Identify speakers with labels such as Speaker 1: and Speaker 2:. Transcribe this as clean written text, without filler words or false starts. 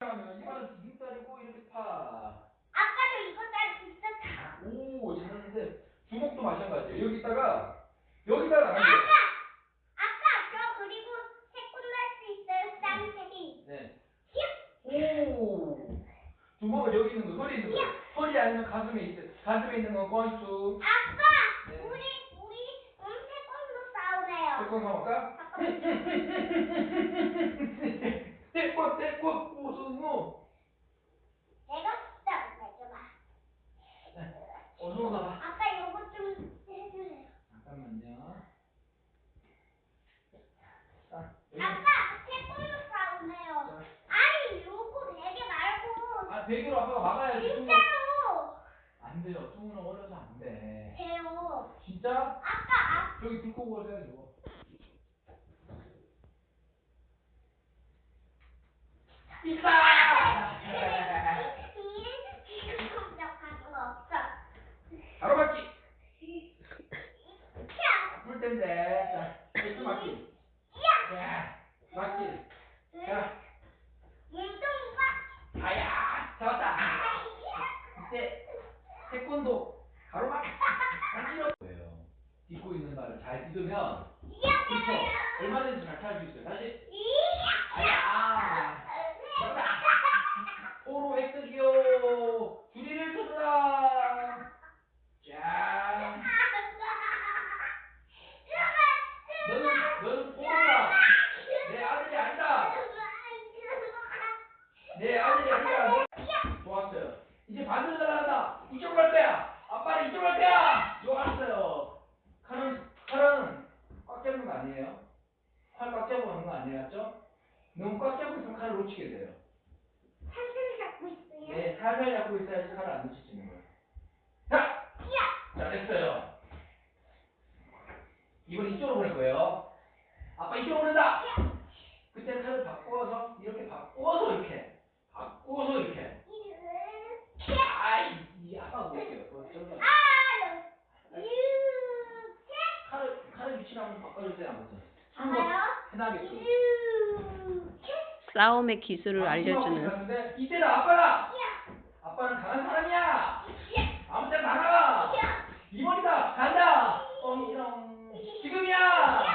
Speaker 1: 하면 이거는 디귿자리고 이렇게 파.
Speaker 2: 아까도 이거 잘 비슷하다.
Speaker 1: 오, 잘하는데 주먹도 마찬가지예요. 여기다가 나가요.
Speaker 2: 아까 저 그리고 태권도 할 수 있어요. 쌍태기.
Speaker 1: 네. 오. 주먹은 여기 있는 거, 허리에 있는 거. 허리 아니면 가슴에 있는 건 권수.
Speaker 2: 아빠,
Speaker 1: 네.
Speaker 2: 우리 태권도 싸우래요.
Speaker 1: 태권 가볼까? 태권 우승우.
Speaker 2: 내가 싸우래요.
Speaker 1: 어서 나와.
Speaker 2: 아빠 이거 좀 해주세요.
Speaker 1: 잠깐만요. 자,
Speaker 2: 아빠, 태권도 싸우네요. 아니, 요거 베개 말고.
Speaker 1: 아, 베개로 아빠가 막아야지.
Speaker 2: 진짜로.
Speaker 1: 안 돼요. 뚱은 어려서 안 돼.
Speaker 2: 돼요.
Speaker 1: 진짜?
Speaker 2: 아까
Speaker 1: 저기 불 끄고 가셔야죠. 있다!
Speaker 2: 깜짝하는 거 없어.
Speaker 1: 바로 맞기. 불 텐데. 자, 또 맞기. 야, 맞기. 자,
Speaker 2: 몸통이
Speaker 1: 아야, 잡았다. 이때 태권도 바로 맞기. 이런 거예요. 딛고 있는 발을 잘 딛으면 그렇죠. 얼마든지 잘 탈 수 있어요. 다시. 아야. 잡았다. 오로 획득이요. 줄이를 서라. 자. 너는 오로다. 내 아들이 아니다. 내 아들이 아니라. 좋았어요. 이제 반대로 날아간다. 이쪽으로 갈 거야. 아빠는 이쪽으로 갈 거야. 좋았어요. 칼은 꽉 잡는 거 아니에요? 칼 꽉 잡고 하는 거 아니에요? 맞죠? 너무 꽉 잡고 있으면 칼을 놓치게 돼요.
Speaker 2: 살살 잡고 있어요.
Speaker 1: 네, 살살 잡고 있어야지 칼을 안 놓치시는 거예요. 자! 잘했어요. 이번 이쪽으로 보낼 거예요. 아빠 이쪽으로 보낸다! 그때 칼을 바꿔서 이렇게 바꿔서 이렇게 아이, 이 아빠가 볼게요. 칼을 위치를 한번 바꿔주세요. 아무튼 편하게끔.
Speaker 3: 싸움의 기술을 알려주는.
Speaker 1: 이때는 아빠는 강한 사람이야. 아무 때나 나가. 이번이다. 간다. 지금이야.